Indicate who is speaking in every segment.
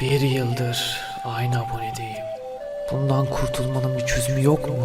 Speaker 1: Bir yıldır aynı abonedeyim. Bundan kurtulmanın bir çözümü yok mu?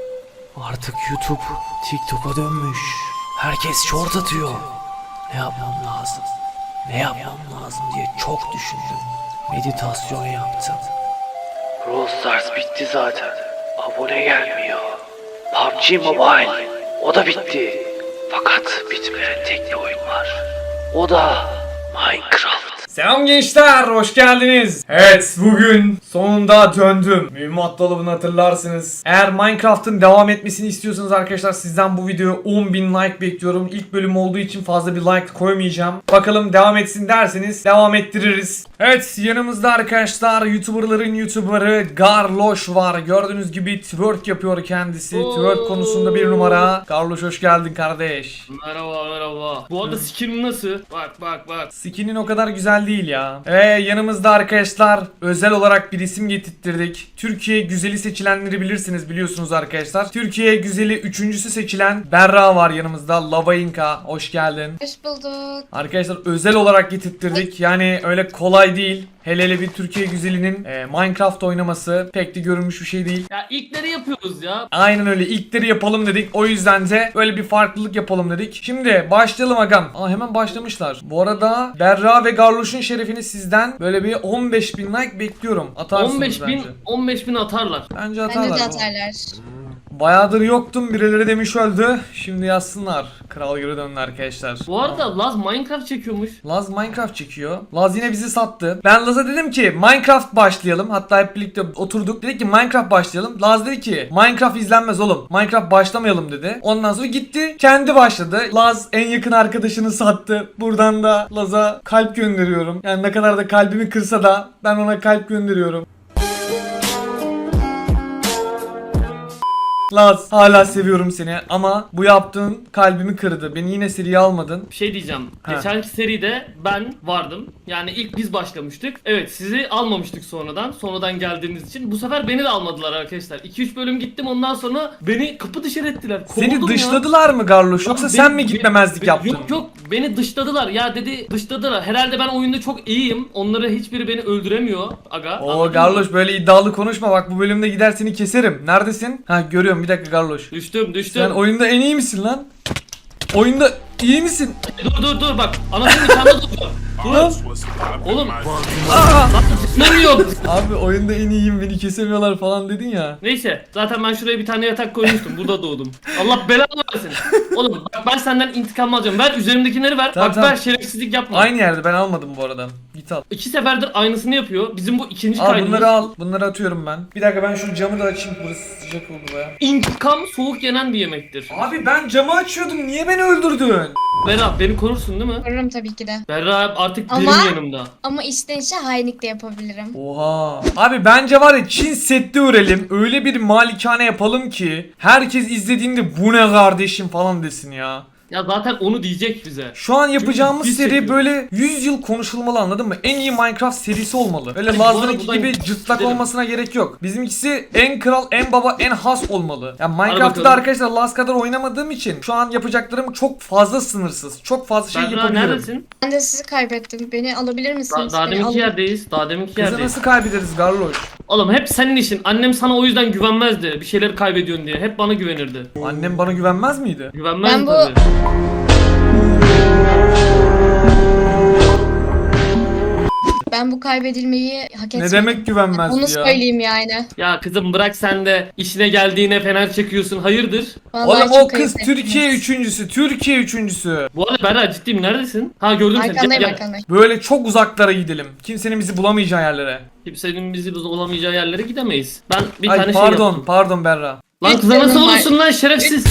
Speaker 1: Artık YouTube TikTok'a dönmüş. Herkes short atıyor. Ne yapmam lazım? Ne yapmam lazım diye çok düşündüm. Meditasyon yaptım. Brawl Stars bitti zaten. Abone gelmiyor. PUBG Mobile o da bitti. Fakat bitmeyen tek bir oyun var. O da Minecraft.
Speaker 2: Selam gençler, hoş geldiniz. Evet, bugün sonunda döndüm. Mühimmat dolabını hatırlarsınız. Eğer Minecraft'ın devam etmesini istiyorsanız arkadaşlar sizden bu videoya 10.000 like bekliyorum. İlk bölüm olduğu için fazla bir like koymayacağım. Bakalım devam etsin derseniz devam ettiririz. Evet, yanımızda arkadaşlar YouTuber'ların YouTuber'ı Garloş var. Gördüğünüz gibi twerk yapıyor kendisi. Twerk konusunda bir numara. Garloş hoş geldin kardeş.
Speaker 3: Merhaba merhaba. Bu arada skin nasıl? Bak.
Speaker 2: Skinin o kadar güzel değil ya. Yanımızda arkadaşlar özel olarak bir isim getirttirdik. Türkiye güzeli seçilenleri biliyorsunuz arkadaşlar. Türkiye güzeli 3.'sü seçilen Berra var yanımızda. Lavainka hoş geldin.
Speaker 4: Hoş bulduk.
Speaker 2: Arkadaşlar özel olarak getirttirdik. Yani öyle kolay değil. Hele bir Türkiye güzelinin Minecraft oynaması pek de görülmüş bir şey değil.
Speaker 3: Ya ilkleri yapıyoruz ya.
Speaker 2: Aynen öyle, ilkleri yapalım dedik. O yüzden de böyle bir farklılık yapalım dedik. Şimdi başlayalım agam. Hemen başlamışlar. Bu arada Berra ve Garloş'un şerefini sizden böyle bir 15.000 like bekliyorum. Atarsınız
Speaker 3: 15.000 atarlar.
Speaker 2: Bence
Speaker 4: Bence
Speaker 2: atarlar.
Speaker 4: de atarlar.
Speaker 2: Bayağıdır yoktum. Birileri demiş öldü. Şimdi yazsınlar. Kral geri döndü arkadaşlar.
Speaker 3: Bu arada Laz Minecraft çekiyormuş.
Speaker 2: Laz Minecraft çekiyor. Laz yine bizi sattı. Ben Laz'a dedim ki Minecraft başlayalım. Hatta hep birlikte oturduk. Dedik ki Minecraft başlayalım. Laz dedi ki Minecraft izlenmez oğlum. Minecraft başlamayalım dedi. Ondan sonra gitti. Kendi başladı. Laz en yakın arkadaşını sattı. Buradan da Laz'a kalp gönderiyorum. Yani ne kadar da kalbimi kırsa da ben ona kalp gönderiyorum. Laz, hala seviyorum seni ama bu yaptığın kalbimi kırdı. Beni yine seriye almadın.
Speaker 3: Bir şey diyeceğim.
Speaker 2: Ha.
Speaker 3: Geçenki seride ben vardım. Yani ilk biz başlamıştık. Evet, sizi almamıştık sonradan. Sonradan geldiğiniz için. Bu sefer beni de almadılar arkadaşlar. 2-3 bölüm gittim, ondan sonra beni kapı dışarı ettiler.
Speaker 2: Seni
Speaker 3: Kovuldum ya.
Speaker 2: dışladılar mı Garloş, yoksa
Speaker 3: Beni-
Speaker 2: sen mi gitmemezlik yaptın?
Speaker 3: Yok beni dışladılar ya, dedi dışladılar. Herhalde ben oyunda çok iyiyim. Onları hiçbiri beni öldüremiyor aga.
Speaker 2: Oo
Speaker 3: Anladın mı?
Speaker 2: Garloş, böyle iddialı konuşma, bak bu bölümde gider seni keserim. Neredesin? Ha, görüyorum, bir dakika Garloş.
Speaker 3: Düştüm.
Speaker 2: Sen oyunda en iyi misin lan? Oyunda iyi misin?
Speaker 3: Dur bak. Anasının nikahında dur.
Speaker 2: Lan.
Speaker 3: Oğlum.
Speaker 2: Aa!
Speaker 3: Tutmuyor.
Speaker 2: Abi oyunda en iyiyim, beni kesemiyorlar falan dedin ya.
Speaker 3: Neyse, zaten ben şuraya bir tane yatak koymuştum. Burada doğdum. Allah belanı versin. Oğlum bak, ben senden intikam alacağım. Ver üzerimdekileri ver.
Speaker 2: Tamam,
Speaker 3: bak
Speaker 2: tamam.
Speaker 3: ver, şerefsizlik yapma.
Speaker 2: Aynı yerde, ben almadım bu arada. Git al.
Speaker 3: 2 seferdir aynısını yapıyor. Bizim bu ikinci
Speaker 2: Al
Speaker 3: kaydımız.
Speaker 2: bunları al. Bunları atıyorum ben. Bir dakika, ben şu camı da açayım. Burası sıcak oldu baya.
Speaker 3: İntikam soğuk yenen bir yemektir.
Speaker 2: Abi ben camı açıyordum. Niye beni öldürdün?
Speaker 3: Berra, beni korursun değil mi?
Speaker 4: Korurum tabii ki de.
Speaker 3: Berra artık
Speaker 4: Ama-
Speaker 3: benim yanımda.
Speaker 4: Ama içten içe hainlik de yapabilirim.
Speaker 2: Oha. Abi bence var ya, Çin Seddi örelim. Öyle bir malikane yapalım ki herkes izlediğinde bu ne kardeşim falan desin ya.
Speaker 3: Ya zaten onu diyecek bize.
Speaker 2: Şu an yapacağımız
Speaker 3: biz
Speaker 2: seri
Speaker 3: çekiyoruz.
Speaker 2: böyle 100 yıl konuşulmalı, anladın mı? En iyi Minecraft serisi olmalı. Öyle
Speaker 3: Hadi
Speaker 2: Laz'ınki
Speaker 3: buradan
Speaker 2: gibi cırtlak
Speaker 3: gidelim.
Speaker 2: olmasına gerek yok. Bizimkisi en kral, en baba, en has olmalı. Yani Minecraft'ta da
Speaker 3: bakalım.
Speaker 2: arkadaşlar Laz kadar oynamadığım için şu an yapacaklarım çok fazla sınırsız. Çok fazla şey
Speaker 3: Berra
Speaker 2: yapabilirim.
Speaker 3: neredesin?
Speaker 4: Ben de sizi kaybettim. Beni alabilir misiniz?
Speaker 3: Daha
Speaker 4: Beni
Speaker 3: deminki
Speaker 4: alın.
Speaker 3: yerdeyiz. Daha deminki
Speaker 2: Kızı
Speaker 3: yerdeyiz.
Speaker 2: nasıl kaybederiz Garloş?
Speaker 3: Oğlum hep senin işin. Annem sana o yüzden güvenmezdi. Bir şeyleri kaybediyorsun diye. Hep bana güvenirdi.
Speaker 2: Annem bana güvenmez miydi?
Speaker 3: Güvenmezdi
Speaker 4: Ben bu-
Speaker 3: tabii.
Speaker 4: Ben bu kaybedilmeyi hak etmedim.
Speaker 2: Ne demek güvenmezdi
Speaker 4: Bunu
Speaker 2: ya?
Speaker 4: söyleyeyim yani.
Speaker 3: Ya kızım bırak sen de, işine geldiğine fener çekiyorsun. Hayırdır?
Speaker 4: Vallahi
Speaker 2: Oğlum o
Speaker 4: çok
Speaker 2: kız
Speaker 4: ayıp
Speaker 2: Türkiye
Speaker 4: ettiniz.
Speaker 2: üçüncüsü. Türkiye üçüncüsü.
Speaker 3: Bu arada Berra, ciddiyim, neredesin? Ha, gördüm seni.
Speaker 4: Arkandayım
Speaker 3: Gel.
Speaker 4: arkandayım.
Speaker 2: Böyle çok uzaklara gidelim. Kimsenin bizi bulamayacağı yerlere.
Speaker 3: Kimsenin bizi olamayacağı yerlere gidemeyiz. Ben bir
Speaker 2: Ay
Speaker 3: tane
Speaker 2: pardon,
Speaker 3: şey yaptım.
Speaker 2: pardon Berra.
Speaker 3: Lan kıza nasıl
Speaker 4: Üç
Speaker 3: olursun lan şerefsiz?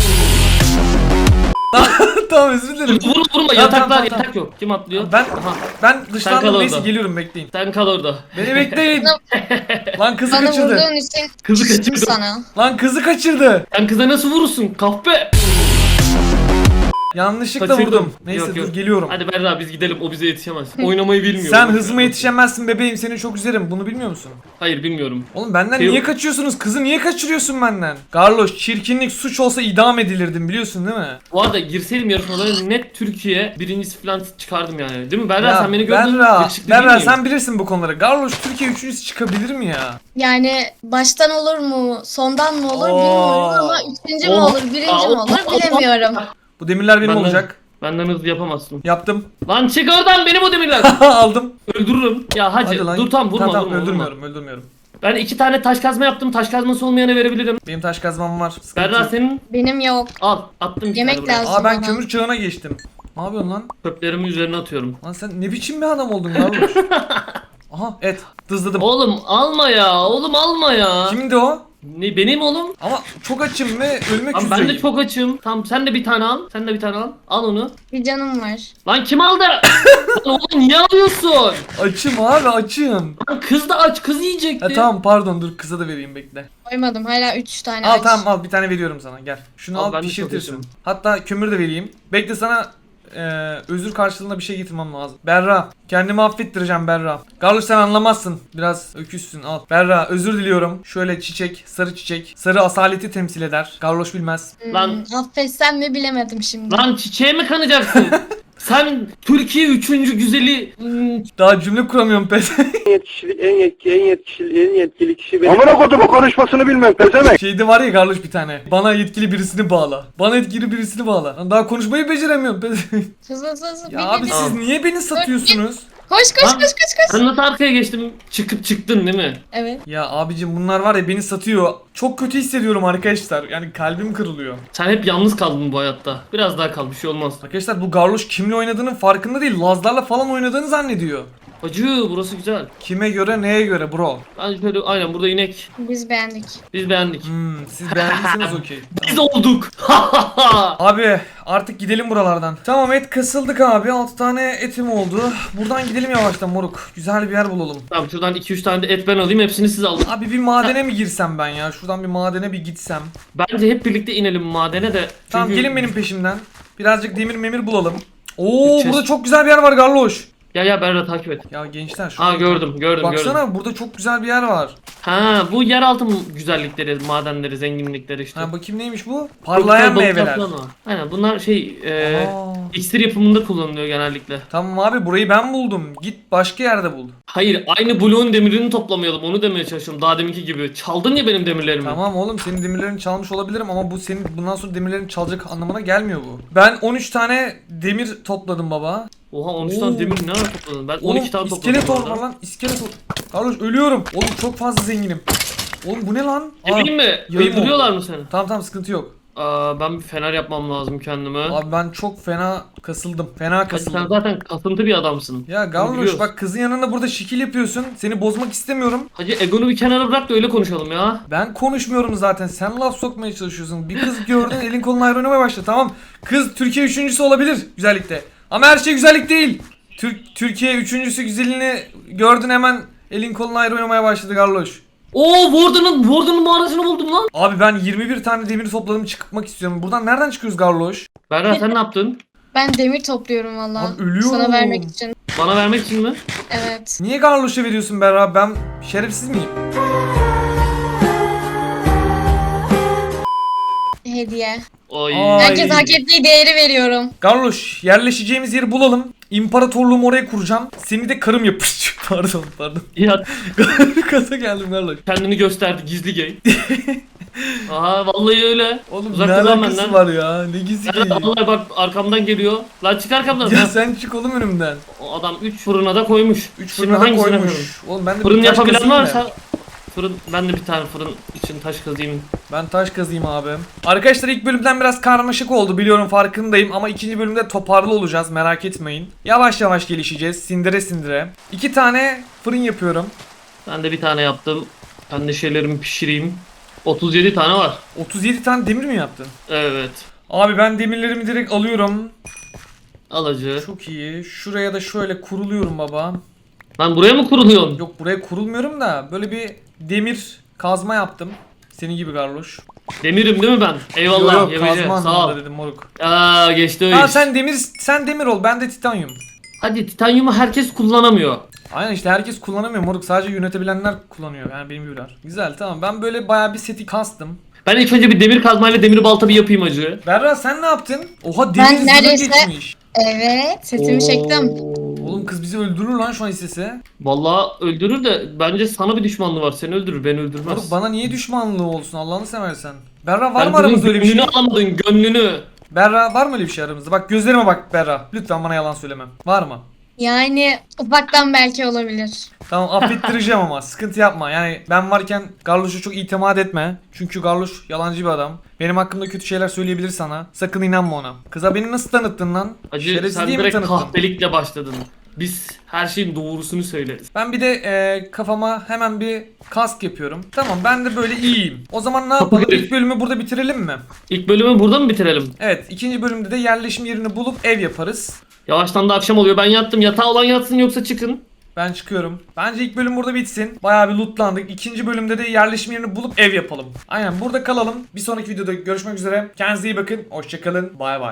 Speaker 2: Tamam, özür dilerim.
Speaker 3: Vurma
Speaker 2: Tamam,
Speaker 3: yataklar,
Speaker 2: tamam,
Speaker 3: yatak yok. Kim atlıyor?
Speaker 2: Ben
Speaker 3: Aha,
Speaker 2: ben
Speaker 3: Sen
Speaker 2: dışlandım,
Speaker 3: kal
Speaker 2: neyse
Speaker 3: orada.
Speaker 2: geliyorum, bekleyin.
Speaker 3: sen kal orada.
Speaker 2: Beni bekleyin. Lan kızı
Speaker 4: Bana
Speaker 2: kaçırdı.
Speaker 4: vurduğun için
Speaker 3: Kızı
Speaker 4: küstüm
Speaker 3: kaçırdım.
Speaker 4: sana.
Speaker 2: Lan kızı kaçırdı.
Speaker 3: Sen kıza nasıl vurursun? Kahpe!
Speaker 2: Yanlışlıkla
Speaker 3: Kaçırdım.
Speaker 2: vurdum. Neyse
Speaker 3: Yok,
Speaker 2: dur
Speaker 3: yok.
Speaker 2: geliyorum.
Speaker 3: Hadi Berra biz gidelim, o bize yetişemez. Oynamayı bilmiyor.
Speaker 2: Sen hızıma yetişemezsin bebeğim, seni çok üzerim, bunu bilmiyor musun?
Speaker 3: Hayır bilmiyorum.
Speaker 2: Oğlum benden
Speaker 3: Şey-
Speaker 2: niye kaçıyorsunuz? Kızı niye kaçırıyorsun benden? Garloş, çirkinlik suç olsa idam edilirdim, biliyorsun değil mi?
Speaker 3: Bu arada girseydim yarışmalara net Türkiye birincisi falan çıkardım yani. Değil mi Berra, sen beni gördün.
Speaker 2: Berra,
Speaker 3: Yakışıklı değil
Speaker 2: Berra
Speaker 3: miyim?
Speaker 2: sen bilirsin bu konuları. Garloş Türkiye üçüncüsü çıkabilir mi ya?
Speaker 4: Yani baştan olur mu, sondan mı olur
Speaker 2: Oo.
Speaker 4: bilmiyorum ama üçüncü mü
Speaker 3: Oo.
Speaker 4: olur, birinci
Speaker 3: Aa,
Speaker 4: mi olur bilemiyorum.
Speaker 2: Bu demirler benim
Speaker 3: Benden-
Speaker 2: olacak.
Speaker 3: Benden hızlı yapamazsın.
Speaker 2: Yaptım.
Speaker 3: Lan çık oradan, benim o demirler.
Speaker 2: Aldım.
Speaker 3: Öldürürüm. Ya hadi,
Speaker 2: Hadi lan.
Speaker 3: dur tam vurma,
Speaker 2: Tamam,
Speaker 3: vurma, vurma.
Speaker 2: öldürmüyorum, öldürmüyorum.
Speaker 3: Ben 2 tane taş kazma yaptım. Taş kazması olmayana verebilirim.
Speaker 2: Benim taş kazmam var. Sıkıntı
Speaker 3: Berra
Speaker 2: yok.
Speaker 3: senin
Speaker 4: Benim yok.
Speaker 3: al. Attım bir
Speaker 4: Yemek
Speaker 3: tane buraya.
Speaker 4: lazım.
Speaker 2: Aa ben
Speaker 4: bana.
Speaker 2: kömür çağına geçtim. Ne yapıyorsun lan?
Speaker 3: Çöplerimi üzerine atıyorum.
Speaker 2: Lan sen ne biçim bir adam oldun Garloş? Aha et dızladım.
Speaker 3: Oğlum alma ya. Oğlum alma ya.
Speaker 2: Kimdi o?
Speaker 3: Ne benim oğlum?
Speaker 2: Ama çok açım ve ölmek
Speaker 3: Lan
Speaker 2: üzereyim.
Speaker 3: ben de çok açım. Tamam sen de bir tane al. Sen de bir tane al. Al onu.
Speaker 4: Bir canım var.
Speaker 3: Lan kim aldı? Lan oğlum niye alıyorsun?
Speaker 2: Açım abi açım.
Speaker 3: Lan kız da aç. Kız yiyecekti.
Speaker 2: Tamam pardon dur kıza da vereyim bekle.
Speaker 4: Koymadım hala 3 tane
Speaker 2: Al
Speaker 4: aç.
Speaker 2: tamam al bir tane veriyorum sana gel. Şunu
Speaker 3: Al,
Speaker 2: al
Speaker 3: ben de
Speaker 2: pişirtirsin.
Speaker 3: çok
Speaker 2: Hatta kömür de vereyim. Bekle sana özür karşılığında bir şey getirmem lazım. Berra kendimi affettireceğim Berra. Garloş sen anlamazsın. Biraz öküzsün al. Berra özür diliyorum. Şöyle çiçek sarı çiçek. Sarı asaleti temsil eder. Garloş bilmez.
Speaker 3: Lan-
Speaker 4: Affetsem mi bilemedim şimdi.
Speaker 3: Lan çiçeğe mi kanacaksın? Sen Türkiye 3. güzeli
Speaker 2: Daha cümle kuramıyorum pes.
Speaker 5: en yetkili kişi benim. Amına kodumu konuşmasını bilmem pezemek.
Speaker 2: Şeyde var ya Garloş bir tane. Bana yetkili birisini bağla. Bana yetkili birisini bağla. Lan daha konuşmayı beceremiyorum pes.
Speaker 4: Hızlı hızlı.
Speaker 2: Ya abi siz niye beni satıyorsunuz?
Speaker 4: Koş koş
Speaker 3: Lan-
Speaker 4: koş koş koş.
Speaker 3: Sen nasıl arkaya geçtim? Çıkıp çıktın değil mi?
Speaker 4: Evet.
Speaker 2: Ya abicim bunlar var ya beni satıyor. Çok kötü hissediyorum arkadaşlar. Yani kalbim kırılıyor.
Speaker 3: Sen hep yalnız kaldın bu hayatta. Biraz daha kal, bir şey olmaz.
Speaker 2: Arkadaşlar bu Garloş kimle oynadığının farkında değil. Lazlarla falan oynadığını zannediyor.
Speaker 3: Acı, burası güzel.
Speaker 2: Kime göre neye göre bro?
Speaker 3: Ben şöyle aynen burada inek.
Speaker 4: Biz beğendik.
Speaker 3: Biz beğendik.
Speaker 2: Siz beğendiyseniz okey.
Speaker 3: Biz olduk.
Speaker 2: Abi artık gidelim buralardan. Tamam et kasıldık abi. 6 tane etim oldu. Buradan gidelim yavaştan moruk. Güzel bir yer bulalım.
Speaker 3: Tamam şuradan 2-3 tane de et ben alayım, hepsini siz alın.
Speaker 2: Abi bir madene mi girsem ben ya? Şuradan bir madene bir gitsem.
Speaker 3: Bence hep birlikte inelim madene de.
Speaker 2: Tamam
Speaker 3: Çünkü-
Speaker 2: gelin benim peşimden. Birazcık demir memir bulalım. Oo
Speaker 3: Gideceğiz.
Speaker 2: burada çok güzel bir yer var Garloş.
Speaker 3: Ya Berra takip et.
Speaker 2: Ya gençler şu
Speaker 3: Aa gördüm.
Speaker 2: Baksana burada çok güzel bir yer var.
Speaker 3: Ha bu yeraltı güzellikleri, madenleri, zenginlikleri işte.
Speaker 2: Ha bakayım neymiş bu?
Speaker 3: Çok
Speaker 2: Parlayan
Speaker 3: güzel balıklar
Speaker 2: meyveler.
Speaker 3: falan var. Aynen bunlar
Speaker 2: Aa.
Speaker 3: iksir yapımında kullanılıyor genellikle.
Speaker 2: Tamam abi burayı ben buldum. Git başka yerde bul.
Speaker 3: Hayır, aynı bloğun demirini toplamayalım, onu demeye çalışıyorum daha deminki gibi. Çaldın ya benim demirlerimi.
Speaker 2: Tamam oğlum senin demirlerini çalmış olabilirim ama bu senin bundan sonra demirlerini çalacak anlamına gelmiyor bu. Ben 13 tane demir topladım baba.
Speaker 3: Oha 13
Speaker 2: Oo.
Speaker 3: tane demir ne ara topladın? Ben 12
Speaker 2: Oğlum
Speaker 3: tane topladım.
Speaker 2: iskelet
Speaker 3: bu
Speaker 2: var
Speaker 3: arada.
Speaker 2: lan iskelet var. Carlos ölüyorum. Oğlum çok fazla zenginim. Oğlum bu ne lan? Aa,
Speaker 3: Emin mi?
Speaker 2: yayın
Speaker 3: Öldürüyorlar
Speaker 2: oldu.
Speaker 3: mı seni?
Speaker 2: Tamam sıkıntı yok.
Speaker 3: Ben bir fener yapmam lazım kendime.
Speaker 2: Abi ben çok fena kasıldım. Fena
Speaker 3: Hadi sen
Speaker 2: kasıldım.
Speaker 3: zaten kasıntı bir adamsın.
Speaker 2: Ya
Speaker 3: Bunu
Speaker 2: Garloş
Speaker 3: biliyoruz.
Speaker 2: bak kızın yanında burada şekil yapıyorsun. Seni bozmak istemiyorum.
Speaker 3: Hacı egonu bir kenara bırak da öyle konuşalım ya.
Speaker 2: Ben konuşmuyorum zaten. Sen laf sokmaya çalışıyorsun. Bir kız gördün elin kolun ayrı oynamaya başladı. Tamam. Kız Türkiye üçüncüsü olabilir güzellikte. Ama her şey güzellik değil. Türkiye üçüncüsü güzelliğini gördün hemen elin kolun ayrı oynamaya başladı Garloş.
Speaker 3: Oo Warden'ın mağarasını buldum lan.
Speaker 2: Abi ben 21 tane demir topladım çıkmak istiyorum. Buradan nereden çıkıyoruz Garloş?
Speaker 3: Berra sen ne yaptın?
Speaker 4: Ben demir topluyorum valla.
Speaker 2: Abi ölüyorum.
Speaker 4: Sana vermek için.
Speaker 3: Bana vermek için mi?
Speaker 4: Evet.
Speaker 2: Niye Garloş'a veriyorsun Berra? Ben şerefsiz miyim?
Speaker 4: Hediye.
Speaker 3: Ay.
Speaker 2: Aa.
Speaker 4: Herkes hak ettiği değeri veriyorum.
Speaker 2: Garloş yerleşeceğimiz yeri bulalım. İmparatorluğumu oraya kuracağım. Seni de karım yapışacak. Pardon.
Speaker 3: Ya
Speaker 2: Kasa geldim Garloş.
Speaker 3: kendini gösterdi gizli gay. Aha vallahi öyle.
Speaker 2: Oğlum
Speaker 3: Uzak
Speaker 2: ne
Speaker 3: dur lan
Speaker 2: alakası
Speaker 3: benden.
Speaker 2: var ya? Ne gizli
Speaker 3: Berra
Speaker 2: ki?
Speaker 3: vallahi bak arkamdan geliyor. Lan çık arkamdan.
Speaker 2: Ya sen çık oğlum önümden.
Speaker 3: O adam 3 fırına da koymuş.
Speaker 2: 3
Speaker 3: Şimdi
Speaker 2: fırına da
Speaker 3: hangisine koyalım?
Speaker 2: koymuş. Oğlum ben de
Speaker 3: Fırın
Speaker 2: bir taş
Speaker 3: yapabilen
Speaker 2: kazayım
Speaker 3: varsa
Speaker 2: da.
Speaker 3: fırın, ben de bir tane fırın için taş kazayım.
Speaker 2: Ben taş kazayım abi. Arkadaşlar ilk bölümden biraz karmaşık oldu biliyorum farkındayım ama ikinci bölümde toparlı olacağız merak etmeyin. Yavaş yavaş gelişeceğiz sindire sindire. 2 tane fırın yapıyorum.
Speaker 3: Ben de bir tane yaptım. Ben de şeylerimi pişireyim. 37 tane var.
Speaker 2: 37 tane demir mi yaptın?
Speaker 3: Evet.
Speaker 2: Abi ben demirlerimi direkt alıyorum.
Speaker 3: Alıcı.
Speaker 2: Çok iyi. Şuraya da şöyle kuruluyorum baba.
Speaker 3: Lan buraya mı kuruluyorsun?
Speaker 2: Yok buraya kurulmuyorum da böyle bir demir kazma yaptım. Senin gibi Garloş.
Speaker 3: Demirim değil mi ben? Eyvallah.
Speaker 2: Yok
Speaker 3: Yemece,
Speaker 2: kazma
Speaker 3: sağ ol.
Speaker 2: anlamında dedim moruk.
Speaker 3: Aa geçti o
Speaker 2: Ha
Speaker 3: iş.
Speaker 2: sen demir ol, ben de titanyum.
Speaker 3: Hadi titanyumu herkes kullanamıyor.
Speaker 2: Aynen işte herkes kullanamıyor moruk, sadece yönetebilenler kullanıyor yani benim gibiler. Güzel tamam, ben böyle bayağı bir seti kastım.
Speaker 3: Ben ilk önce bir demir kazmayla demir balta bir yapayım acı.
Speaker 2: Berra sen ne yaptın? Oha demir zırhı
Speaker 4: neredeyse-
Speaker 2: geçmiş.
Speaker 4: Evet, setimi çektim.
Speaker 2: Oğlum kız bizi öldürür lan şu an istese.
Speaker 3: Vallahi öldürür de bence sana bir düşmanlığı var. Seni öldürür, beni öldürmez.
Speaker 2: Moruk bana niye düşmanlığı olsun Allah'ını seversen. Berra var
Speaker 3: Sen
Speaker 2: mı aramızda öyle bir şey?
Speaker 3: gönlünü alamadın, gönlünü.
Speaker 2: Berra var mı öyle bir şey aramızda? Bak gözlerime bak Berra. Lütfen bana yalan söyleme. Var mı?
Speaker 4: Yani ufaktan belki olabilir.
Speaker 2: Tamam affettireceğim ama sıkıntı yapma. Yani ben varken Garloş'a çok itimat etme. Çünkü Garloş yalancı bir adam. Benim hakkımda kötü şeyler söyleyebilir sana. Sakın inanma ona. Kıza beni nasıl tanıttın lan?
Speaker 3: Acı
Speaker 2: Şerefsiz
Speaker 3: sen
Speaker 2: diye mi
Speaker 3: direkt
Speaker 2: tanıttın?
Speaker 3: kahpelikle başladın. Biz her şeyin doğrusunu söyleriz.
Speaker 2: Ben bir de kafama hemen bir kask yapıyorum. Tamam ben de böyle iyiyim. O zaman ne yapalım? İlk bölümü burada bitirelim mi?
Speaker 3: İlk bölümü burada mı bitirelim?
Speaker 2: Evet, ikinci bölümde de yerleşim yerini bulup ev yaparız.
Speaker 3: Yavaştan da akşam oluyor. Ben yattım. Yatağı olan yatsın yoksa çıkın.
Speaker 2: Ben çıkıyorum. Bence ilk bölüm burada bitsin. Bayağı bir lootlandık. İkinci bölümde de yerleşim yerini bulup ev yapalım. Aynen burada kalalım. Bir sonraki videoda görüşmek üzere. Kendinize iyi bakın. Hoşçakalın. Bay bay.